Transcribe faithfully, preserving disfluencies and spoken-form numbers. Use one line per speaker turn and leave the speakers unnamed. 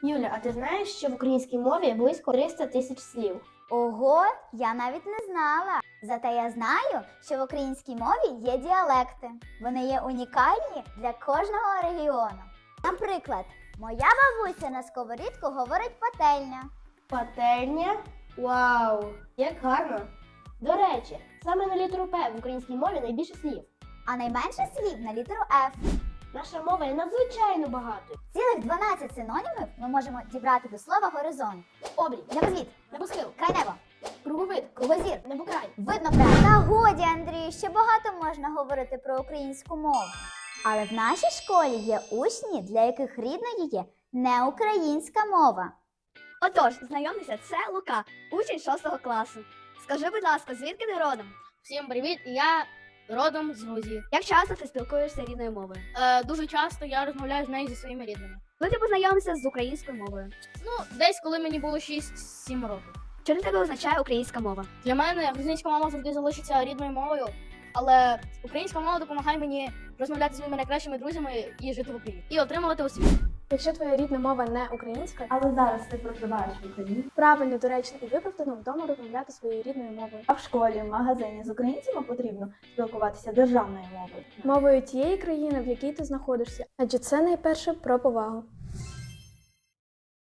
Юля, а ти знаєш, що в українській мові близько триста тисяч слів?
Ого, я навіть не знала. Зате я знаю, що в українській мові є діалекти. Вони є унікальні для кожного регіону. Наприклад, моя бабуся на сковорідку говорить пательня.
Пательня? Вау! Як гарно! До речі, саме на літеру П в українській мові найбільше слів.
А найменше слів на літеру Ф.
Наша мова є надзвичайно багатою.
Цілих дванадцять синонімів ми можемо дібрати до слова горизонт.
Обрій,
Небосвіт,
небосхил,
крайнебо,
круговид,
кругозір,
небокрай.
видно край. Та годі, Андрію, ще багато можна говорити про українську мову. Але в нашій школі є учні, для яких рідною є не українська мова.
Отож, знайомтеся, це Лука, учень шостого класу. Скажи, будь ласка, звідки ти родом?
Всім привіт, я родом з Грузії.
Як часто ти спілкуєшся рідною мовою?
Е, дуже часто я розмовляю з нею зі своїми рідними.
Коли ти познайомився з українською мовою?
Ну, десь коли мені було шість-сім років.
Що для тебе означає українська мова?
Для мене грузинська мова завжди залишиться рідною мовою, але українська мова допомагає мені розмовляти з моїми найкращими друзями і жити в Україні. І отримувати освіту.
Якщо твоя рідна мова не українська,
Але зараз ти проживаєш в Україні.
правильно, доречно і виправдано вдома розмовляти своєю рідною мовою.
А в школі, в магазині з українцями потрібно спілкуватися державною мовою.
Мовою тієї країни, в якій ти знаходишся, адже це найперше про повагу.